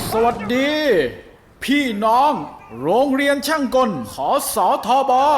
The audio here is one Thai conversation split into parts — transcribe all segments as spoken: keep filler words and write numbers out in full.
สวัสดีพี่น้องโรงเรียนช่างกลขอสอทอบอ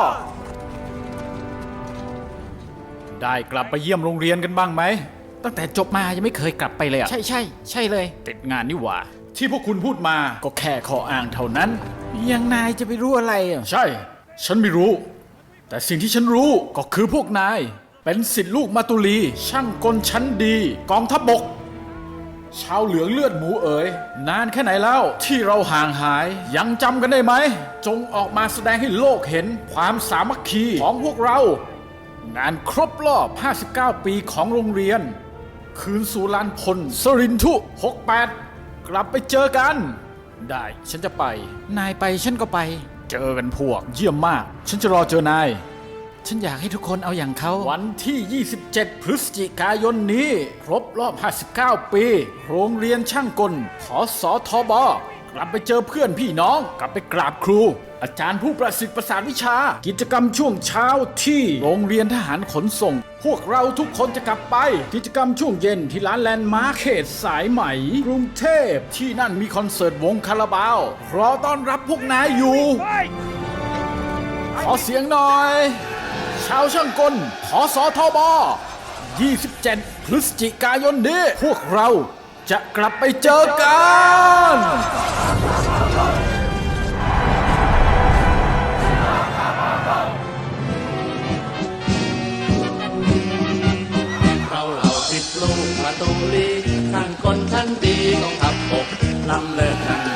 ได้กลับไปเยี่ยมโรงเรียนกันบ้างไหมตั้งแต่จบมายังไม่เคยกลับไปเลยอะใช่ใช่ใช่เลยติดงานนี่หว่าที่พวกคุณพูดมาก็แค่ข้ออ้างเท่านั้นยังนายจะไปรู้อะไรอ่ะใช่ฉันไม่รู้แต่สิ่งที่ฉันรู้ก็คือพวกนายเป็นศิษย์ลูกมาตุลีช่างกลชั้นดีกองทัพบกชาวเหลืองเลือดหมูเอ๋ยนานแค่ไหนแล้วที่เราห่างหายยังจำกันได้ไหมจงออกมาแสดงให้โลกเห็นความสามัคคีของพวกเรางานครบรอบห้าสิบเก้าปีของโรงเรียนคืนสู่ลานพลสรินทุหกสิบแปดกลับไปเจอกันได้ฉันจะไปนายไปฉันก็ไปเจอกันพวกเยี่ยมมากฉันจะรอเจอนายฉันอยากให้ทุกคนเอาอย่างเขาวันที่ยี่สิบเจ็ดพฤศจิกายนนี้ครบรอบห้าสิบเก้าปีโรงเรียนช่างกลขอสอทอบกลับไปเจอเพื่อนพี่น้องกลับไปกราบครูอาจารย์ผู้ประสิทธิ์ประสานวิชากิจกรรมช่วงเช้าที่โรงเรียนทหารขนส่งพวกเราทุกคนจะกลับไปกิจกรรมช่วงเย็นที่ร้านแลนด์มาร์คเขตสายไหมกรุงเทพที่นั่นมีคอนเสิร์ตวงคาราบาวรอต้อนรับพวกนายอยู่ขอเสียงหน่อยชาวช่างกลขอสอทอบยี่สิบเจ็ดพฤศจิกายนนี้พวกเราจะกลับไปเจอกันเราเหล่าศิษย์ลูกมาตูลีช่างกลชั้นดีกองทัพบกนำเลิกกัน